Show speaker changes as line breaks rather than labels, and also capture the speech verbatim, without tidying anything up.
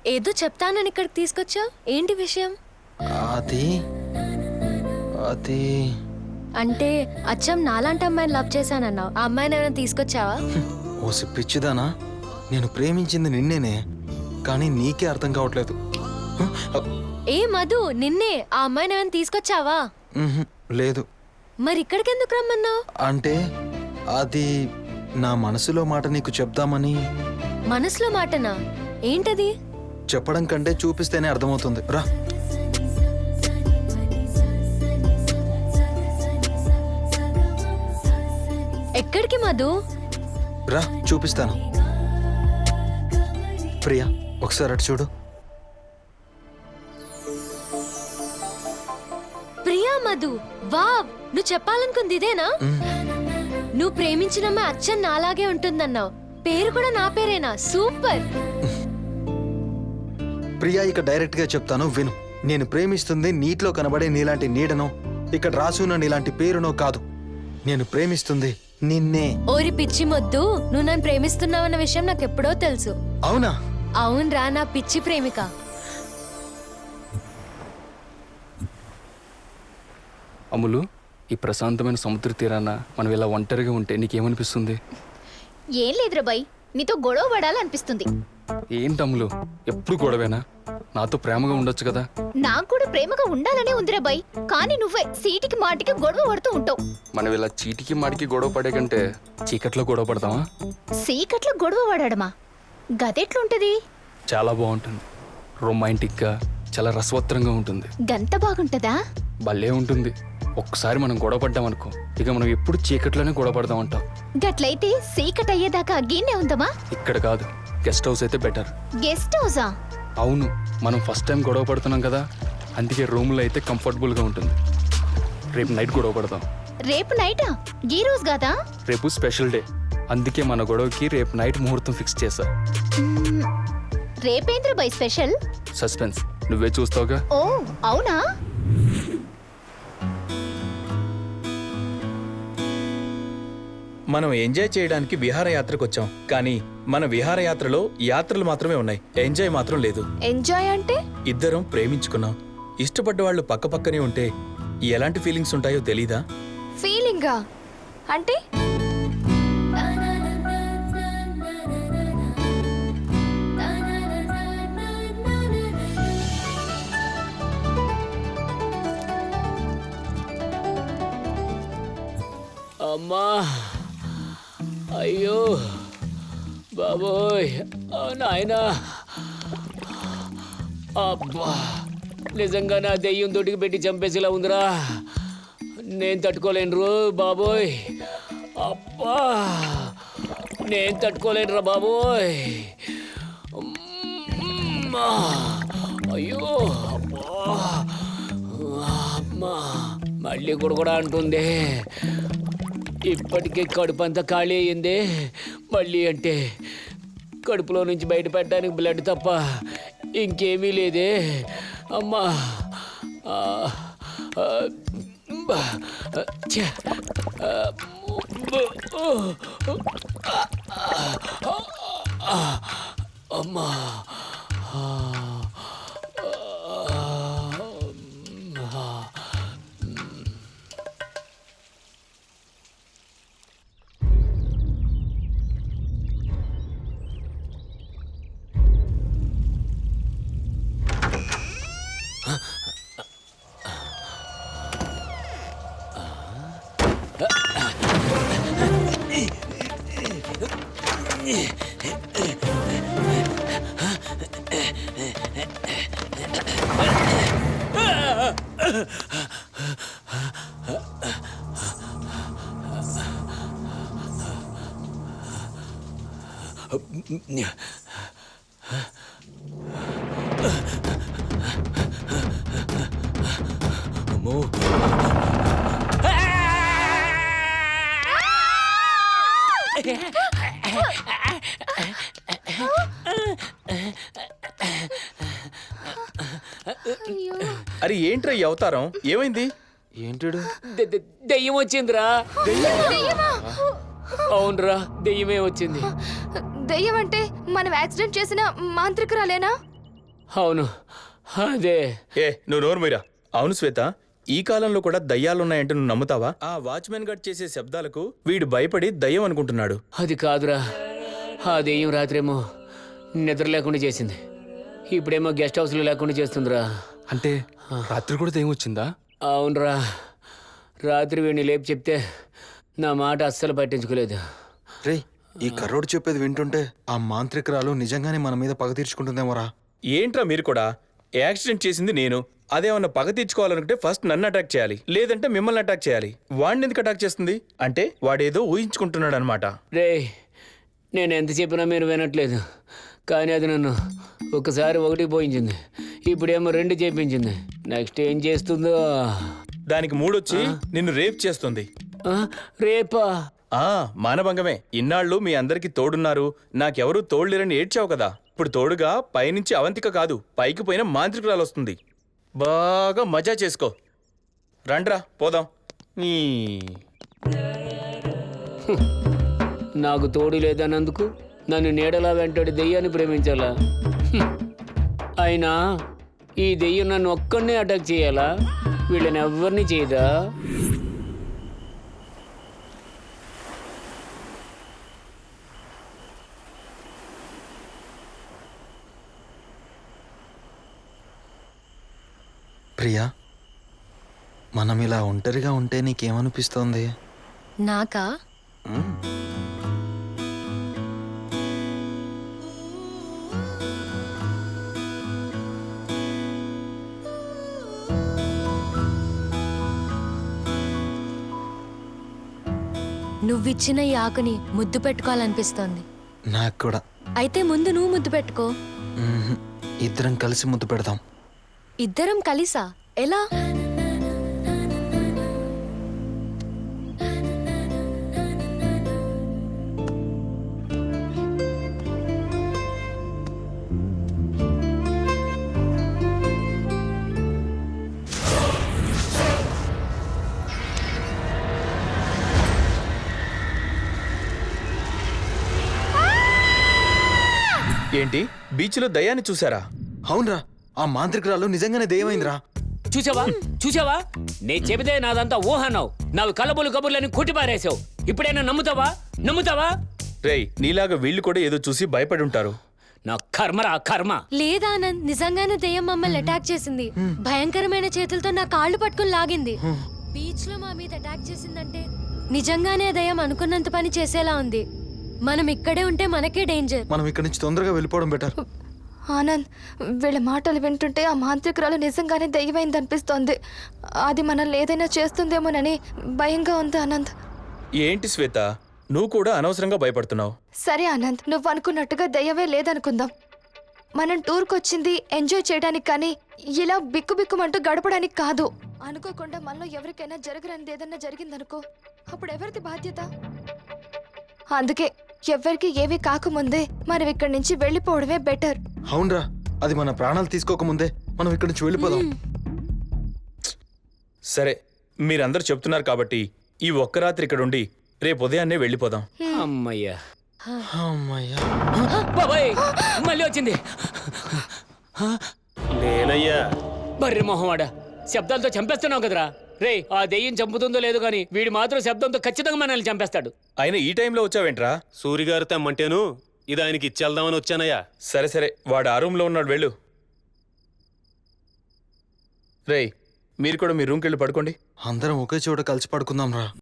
ఏదో చెప్తానని ఇక్కడికి తీసుకొచ్చావు, ఏంటి విషయం?
అది అది
అంటే అచ్చం నాలాంటి అమ్మాయిని లవ్ చేశానన్నావు, ఆ అమ్మాయిని ఏమైనా తీసుకొచ్చావా?
ఓసి పిచ్చిదానా, నేను ప్రేమించింది నిన్నేనే, కానీ నీకే అర్థం కావట్లేదు.
ఏ మధు, నిన్నే. ఆ అమ్మాయిని ఏమైనా తీసుకొచ్చావా?
ఉహుం, లేదు.
మరి ఇక్కడికి ఎందుకు రమ్మన్నావు?
అంటే అది నా మనసులో మాట నీకు చెప్దామని.
మనసులో మాటనా? ఏంటది?
చెప్పడం కంటే చూపిస్తేనే అర్థమవుతుంది, రా.
ఎక్కడికి మధు?
రా చూపిస్తాను. ప్రియా, ఒకసారి అటు చూడు.
ప్రియా మధు, వావ్, నువ్వు చెప్పాలనుకుంది ఇదేనా? నువ్వు ప్రేమించిన అచ్చన్ నాలాగే ఉంటుందన్నావు, పేరు కూడా నా పేరేనా? సూపర్.
ప్రియా, ఇక డైరెక్ట్ గా చెప్తాను విను. నేను ప్రేమిస్తుంది నీటిలో కనబడే నీలాంటి నీడనో, ఇక్కడ రాసున్న నీలాంటి పేరునో కాదు. నేను ప్రేమిస్తుంది నిన్నే.
ఓరి పిచ్చి మొద్దు, నువ్వు నన్ను ప్రేమిస్తున్నావన్న విషయం నాకు ఎప్పుడో తెలుసు.
అవునా?
అవునరా, నా పిచ్చి ప్రేమిక.
అమ్ములు, ఈ ప్రశాంతమైన సముద్ర తీరాన మనం ఇలా ఒంటరిగా ఉంటే నీకేమనిపిస్తుంది?
ఏం లేదురా బాయ్, నీతో గొడవ పడాలనిపిస్తుంది.
ఏంటి అమ్ములు, ఎప్పుడు గొడవేనా? నాతో ప్రేమగా ఉండొచ్చు కదా.
నాకు కూడా ప్రేమగా ఉండాలనే ఉందిరా బాయ్, కానీ నువ్వే సీటికి మాటికి గొడవ పడుతూ ఉంటావు.
మనం ఇలా చీటికి మాటికి గొడవ పడే కంటే చీకట్లో గొడవ పడతామా?
సీకట్లో గొడవ పడడమా? గదెట్లుంటది?
చాలా బాగుంటుంది, రొమాంటిక్గా, చాలా రసవత్తరంగా ఉంటుంది.
గంత బాగుంటదా?
భలే ఉంటుంది. ఒక్కసారి మనం గొడవ పడ్డామనుకో, ఇక మనం ఎప్పుడు చీకట్లోనే గొడవ పడదాం అంటాం.
గట్లయితే సీకట్ అయ్యేదాకా అగ్గీనే ఉందమా?
ఇక్కడ కాదు, గెస్ట్ హౌస్ అయితే బెటర్.
గెస్ట్ హౌసా?
అవును, మనం ఫస్ట్ టైం గొడవ పడుతున్నాం కదా, అందుకే రూమ్లో అయితే కంఫర్టబుల్గా ఉంటుంది. రేపు నైట్ గొడవ పడదాం.
రేపు నైటా? ఈ రోజు కాదా?
రేపు స్పెషల్ డే, అందుకే మన గొడవకి రేపు నైట్ ముహూర్తం ఫిక్స్ చేశా.
మ్మ్, రేపేంద్ర బాయ్ స్పెషల్?
సస్పెన్స్, నువ్వే చూస్తావుగా.
ఓ అవునా?
మనం ఎంజాయ్ చేయడానికి విహారయాత్రకు వచ్చాం, కానీ మన విహారయాత్రలో యాత్రలు మాత్రమే ఉన్నాయి, ఎంజాయ్ మాత్రం లేదు.
ఎంజాయ్ అంటే?
ఇద్దరం ప్రేమించుకున్నాం, ఇష్టపడ్డ వాళ్ళు పక్క పక్కనే ఉంటే ఎలాంటి ఫీలింగ్స్ ఉంటాయో తెలీదా?
ఫీలింగా అంటే?
అమ్మా, అయ్యో బాబోయ్, నాయనా, అబ్బా, నిజంగా నా దెయ్యం దొడ్డికి పెట్టి చంపేసేలా ఉందిరా. నేను తట్టుకోలేను రో బాబోయ్. అబ్బా, నేను తట్టుకోలేనురా బాబోయ్. అమ్మా, అయ్యో, అబ్బా, అమ్మా, మళ్ళీ కూడా కూడా అంటుంది. ఇప్పటికే కడుపు అంతా ఖాళీ అయ్యింది, మళ్ళీ అంటే కడుపులో నుంచి బయట పెట్టడానికి బ్లడ్ తప్ప ఇంకేమీ లేదే. అమ్మా, అమ్మా, అమ్మో,
అరే ఏంట్రా ఈ అవతారం, ఏమైంది?
ఏంటిడు?
దె- దె- దెయ్యం వచ్చిందిరా. అవునరా, దెయ్యమే వచ్చింది.
దెయ్యం అంటే మనం యాక్సిడెంట్ చేసిన మాంత్రికురాలేనా?
అవును అదే.
ఏ నువ్వు నోరు మీరా. అవును శ్వేత, ఈ కాలంలో కూడా దయ్యాలున్నాయంటే నువ్వు నమ్ముతావా? ఆ వాచ్మెన్ గడ్ చేసే శబ్దాలకు వీడు భయపడి దయ్యం అనుకుంటున్నాడు.
అది కాదురా, ఆ దెయ్యం రాత్రేమో నిద్ర లేకుండా చేసింది, ఇప్పుడేమో గెస్ట్ హౌస్లో లేకుండా చేస్తుందిరా.
అంటే రాత్రి కూడా దెయ్యం వచ్చిందా?
అవునరా, రాత్రి వీడిని లేపి చెప్తే నా మాట అస్సలు పట్టించుకోలేదు.
రేయ్, ఈ కర్రోడు చెప్పేది వింటుంటే ఆ మాంత్రికురాలు నిజంగానే మన మీద పగ తీర్చుకుంటుందేమోరా.
ఏంట్రా మీరు కూడా? యాక్సిడెంట్ చేసింది నేను. అదేమన్నా పగ తీర్చుకోవాలనుకుంటే ఫస్ట్ నన్ను అటాక్ చేయాలి, లేదంటే మిమ్మల్ని అటాక్ చేయాలి. వాడిని ఎందుకు అటాక్ చేస్తుంది అంటే వాడేదో ఊహించుకుంటున్నాడు అనమాట.
రే, నేను ఎంత చెప్పినా మీరు వినట్లేదు, కానీ అది నన్ను ఒకసారి ఒకటి పోయించింది, ఇప్పుడేమో రెండు చేపించింది. నెక్స్ట్ ఏం చేస్తుందో.
దానికి మూడొచ్చి నిన్ను రేప్ చేస్తుంది.
ఆ, రేపా?
ఆ మానభంగమే. ఇన్నాళ్ళు మీ అందరికి తోడున్నారు, నాకెవరూ తోడులేరని ఏడ్చావు కదా. ఇప్పుడు తోడుగా పైనుంచి అవంతిక కాదు, పైకి పోయిన మాంత్రికురాలు వస్తుంది. బాగా మజా చేసుకో. రండ్రా పోదాం. నీ
నాకు తోడు లేదన్నందుకు నన్ను నీడలా వెంటాడి దెయ్యాన్ని ప్రేమించాలా? హ్మ్. అయినా ఈ దెయ్యం నన్ను ఒక్కడినే అటాక్ చేయాలా? వీళ్ళని ఎవరిని చేయదా?
ప్రియా, మనం ఇలా ఒంటరిగా ఉంటే నీకేమనిపిస్తోంది?
నాకా? నువ్విచ్చిన ఈ ఆకుని ముద్దు పెట్టుకోవాలనిపిస్తోంది.
నాకు కూడా.
అయితే ముందు నువ్వు ముద్దు పెట్టుకో.
మ్మ్హ్. ఇద్దరం కలిసి ముద్దు పెడదాం.
ఇద్దరం కలిసా? ఎలా?
ఏంటి బీచ్లో దయ్యాన్ని చూసారా?
అవునరా, ఆ మాంత్రికురాలు నిజంగానే దెయ్యమైందిరా.
చూసావా చూసావా నేను చెబితే నాదంతా ఊహన్నావు, నావి కళ్ళబులు కబుర్లని కొట్టిపారేసావు. ఇప్పుడైనా నమ్ముతావా నమ్ముతావా?
రేయ్, నీలాగా వీళ్ళు కూడా ఏదో చూసి భయపడి ఉంటారు.
నా కర్మరా కర్మ.
లేదా ఆనంద్, నిజంగానే దెయ్యం మమ్మల్ని అటాక్ చేసింది. భయంకరమైన చేతులతో నా కాళ్ళు పట్టుకుని లాగింది. బీచ్ లో మా మీద అటాక్ చేసిందంటే నిజంగానే దెయ్యం అనుకున్నంత పని చేసేలా ఉంది. మనం ఇక్కడే ఉంటే మనకే డేంజర్.
మనం ఇక్కడి నుంచి తొందరగా వెళ్ళిపోవడం బెటర్.
ఆనంద్, వీళ్ళ మాటలు వింటుంటే ఆ మాంత్రికురాలు నిజంగానే దయ్యమైంది అనిపిస్తోంది. అది మనల్ని ఏదైనా చేస్తుందేమోనని భయంగా ఉంది ఆనంద్.
ఏంటి శ్వేత, నువ్వు కూడా అనవసరంగా భయపడుతున్నావు.
సరే ఆనంద్, నువ్వు అనుకున్నట్టుగా దయ్యమే లేదనుకుందాం. మనం టూర్కి వచ్చింది ఎంజాయ్ చేయడానికి, కానీ ఇలా బిక్కు బిక్కుమంటూ గడపడానికి కాదు. అనుకోకుండా మనలో ఎవరికైనా జరగరానిది ఏదన్నా జరిగిందనుకో, అప్పుడు ఎవరిది బాధ్యత? అందుకే ఎవరికి ఏమీ కాకముందే మనం ఇక్కడి నుంచి వెళ్ళిపోవడమే బెటర్.
అవునరా, అది మన ప్రాణాలు తీసుకోకముందే మనం ఇక్కడి నుంచి వెళ్ళిపోదాం.
సరే, మీరందరూ చెప్తున్నారు కాబట్టి ఈ ఒక్క రాత్రి ఇక్కడ ఉండి రేపు ఉదయాన్నే వెళ్ళిపోదాం.
అమ్మయ్యా,
అమ్మయ్యా.
బాబాయ్ మళ్ళీ వచ్చింది.
నేనయ్యా.
బర్రె మొహమాడా, శబ్దాలతో చంపేస్తున్నావు కదరా. రే, ఆ దెయ్యం చంపుతుందో లేదో గాని వీడు మాత్రం శబ్దంతో ఖచ్చితంగా మనల్ని చంపేస్తాడు.
అయినా ఈ టైంలో వచ్చావేంట్రా?
సూరిగారు తెమ్మంటేను ఇది ఆయనకి ఇచ్చేద్దామని వచ్చానయ్యా.
సరే సరే, వాడు ఆ రూమ్లో ఉన్నాడు, వెళ్ళు. రేయ్, మీరు కూడా మీ రూమ్కి వెళ్ళి పడుకోండి.
అందరం ఒకే చోట కలిసి పడుకుందాం రా.